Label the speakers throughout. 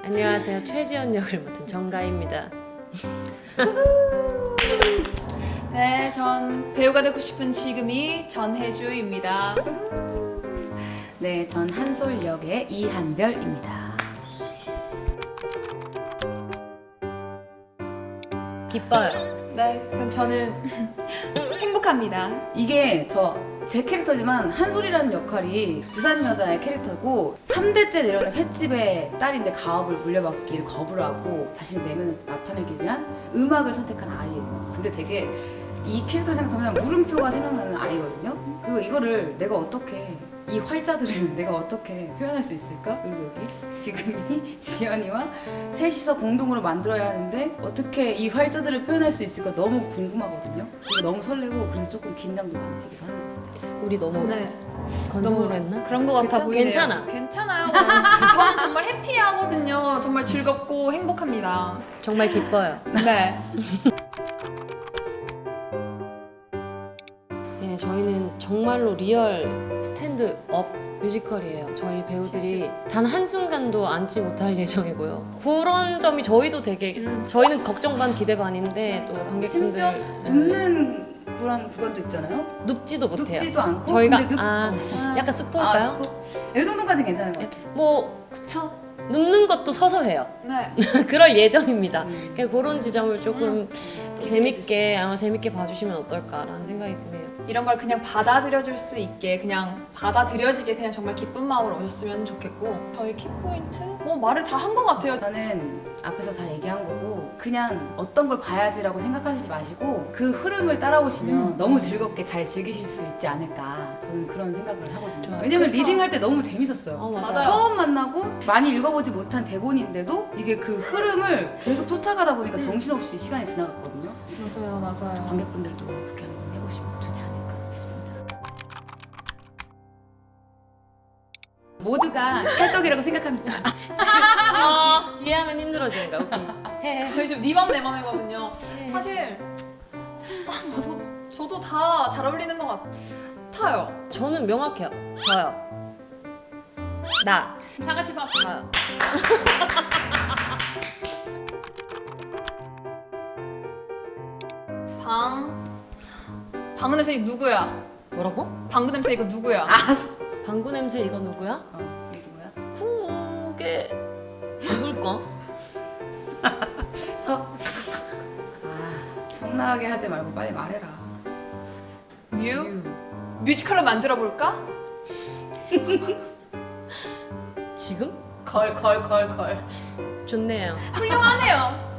Speaker 1: 안녕하세요. 최지연 역을 맡은 정가희입니다.
Speaker 2: 네, 전 배우가 되고 싶은 지금이 전혜주입니다.
Speaker 3: 네, 전 한솔 역의 이한별입니다.
Speaker 1: 기뻐요.
Speaker 2: 네, 그럼 저는 행복합니다.
Speaker 3: 이게 제 캐릭터지만 한솔이라는 역할이 부산 여자의 캐릭터고 3대째 내려오는 횟집의 딸인데 가업을 물려받기를 거부를 하고 자신의 내면을 나타내기 위한 음악을 선택한 아이예요. 근데 되게 이 캐릭터를 생각하면 물음표가 생각나는 아이거든요. 그리고 이거를 내가 어떻게 이 활자들을 내가 어떻게 표현할 수 있을까? 그리고 여기 지금이 지연이와 셋이서 공동으로 만들어야 하는데 어떻게 이 활자들을 표현할 수 있을까 너무 궁금하거든요. 그리고 너무 설레고 그래서 조금 긴장도 많이 되기도 하는 것 같아요.
Speaker 1: 우리 너무
Speaker 2: 네,
Speaker 1: 건성으로 했나?
Speaker 2: 그런 것 같아
Speaker 1: 그쵸?
Speaker 2: 보이네요.
Speaker 1: 괜찮아.
Speaker 2: 괜찮아요. 저는 정말 해피하거든요. 정말 즐겁고 행복합니다.
Speaker 1: 정말 기뻐요.
Speaker 2: 네.
Speaker 1: 네, 저희는 정말로 리얼 스탠드업 뮤지컬이에요. 저희 배우들이 단 한순간도 앉지 못할 예정이고요. 그런 점이 저희도 되게 저희는 걱정 반 기대 반인데 또 관객분들
Speaker 3: 심지어 눕는 그런 구간도 있잖아요.
Speaker 1: 눕지도 못해요.
Speaker 3: 눕지도 않고
Speaker 1: 저희가
Speaker 3: 근데
Speaker 1: 약간 스포일까요?
Speaker 3: 이 정도까지 괜찮은 것 같아요.
Speaker 1: 뭐
Speaker 2: 그쵸?
Speaker 1: 눕는 것도 서서 해요.
Speaker 2: 네.
Speaker 1: 그럴 예정입니다. 그런 지점을 조금 또 재밌게 봐주시면 어떨까라는 생각이 드네요.
Speaker 2: 이런 걸 그냥 받아들여줄 수 있게 그냥 받아들여지게 그냥 정말 기쁜 마음으로 오셨으면 좋겠고 저희 키포인트? 뭐 말을 다 한 것 같아요.
Speaker 3: 저는 앞에서 다 얘기한 거고 그냥 어떤 걸 봐야지라고 생각하시지 마시고 그 흐름을 따라오시면 너무 즐겁게 잘 즐기실 수 있지 않을까 저는 그런 생각을 하거든요.
Speaker 1: 좋아요.
Speaker 3: 왜냐면
Speaker 2: 그쵸.
Speaker 3: 리딩할 때 너무 재밌었어요.
Speaker 1: 맞아요.
Speaker 3: 처음 만나고 많이 읽어보지 못한 대본인데도 이게 그 흐름을 계속 쫓아가다 보니까 정신없이 시간이 지나갔거든요.
Speaker 2: 맞아요.
Speaker 3: 관객분들도 그렇게 한번 해보시면 좋지 않을까 싶습니다. 모두가 찰떡이라고 생각합니다.
Speaker 1: 뒤에 하면 힘들어지는 거야. 오케이. 해.
Speaker 2: 거의 좀 네 맘 내 맘이거든요.
Speaker 1: 해.
Speaker 2: 사실 저도 다 잘 어울리는 것 같아요.
Speaker 1: 저는 명확해요. 저요. 나.
Speaker 2: 다 같이 박수.
Speaker 1: 저요.
Speaker 2: 방구 냄새 이거 누구야?
Speaker 1: 뭐라고?
Speaker 2: 방구 냄새 이거 누구야?
Speaker 3: 아씨.
Speaker 1: 방구 냄새 이거 누구야?
Speaker 3: 이게 누구야?
Speaker 1: 그게 누굴까?
Speaker 3: 성나하게 하지 말고 빨리 말해라.
Speaker 2: 뮤지컬로 만들어 볼까?
Speaker 1: 지금?
Speaker 2: 걸.
Speaker 1: 좋네요.
Speaker 2: 훌륭하네요.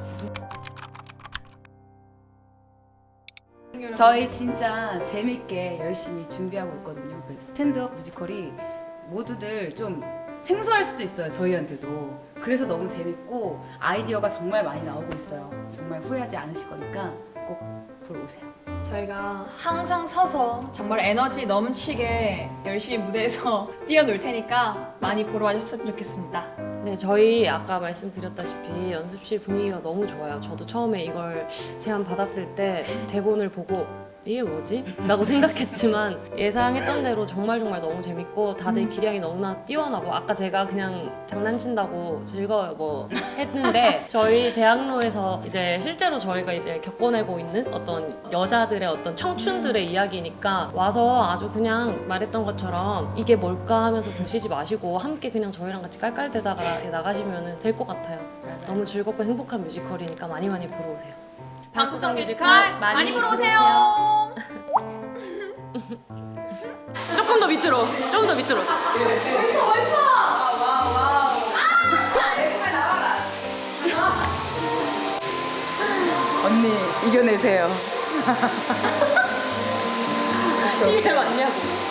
Speaker 3: 저희 진짜 재밌게 열심히 준비하고 있거든요. 그 스탠드업 뮤지컬이 모두들 좀 생소할 수도 있어요. 저희한테도. 그래서 너무 재밌고 아이디어가 정말 많이 나오고 있어요. 정말 후회하지 않으실 거니까 꼭 보러 오세요.
Speaker 2: 저희가 항상 서서 정말 에너지 넘치게 열심히 무대에서 뛰어놀 테니까 많이 보러 와주셨으면 좋겠습니다.
Speaker 1: 네, 저희 아까 말씀드렸다시피 연습실 분위기가 너무 좋아요. 저도 처음에 이걸 제안 받았을 때 대본을 보고 이게 뭐지? 라고 생각했지만 예상했던 대로 정말 너무 재밌고 다들 기량이 너무나 뛰어나고 아까 제가 그냥 장난친다고 즐거워요 뭐 했는데 저희 대학로에서 이제 실제로 저희가 이제 겪어내고 있는 어떤 여자들의 어떤 청춘들의 이야기니까 와서 아주 그냥 말했던 것처럼 이게 뭘까 하면서 보시지 마시고 함께 그냥 저희랑 같이 깔깔대다가 나가시면 될 것 같아요. 너무 즐겁고 행복한 뮤지컬이니까 많이 보러 오세요.
Speaker 2: 방구석 뮤지컬 많이 보러 오세요.
Speaker 1: 조금 더 밑으로.
Speaker 3: 언니 이겨내세요.
Speaker 1: 이게 맞냐고.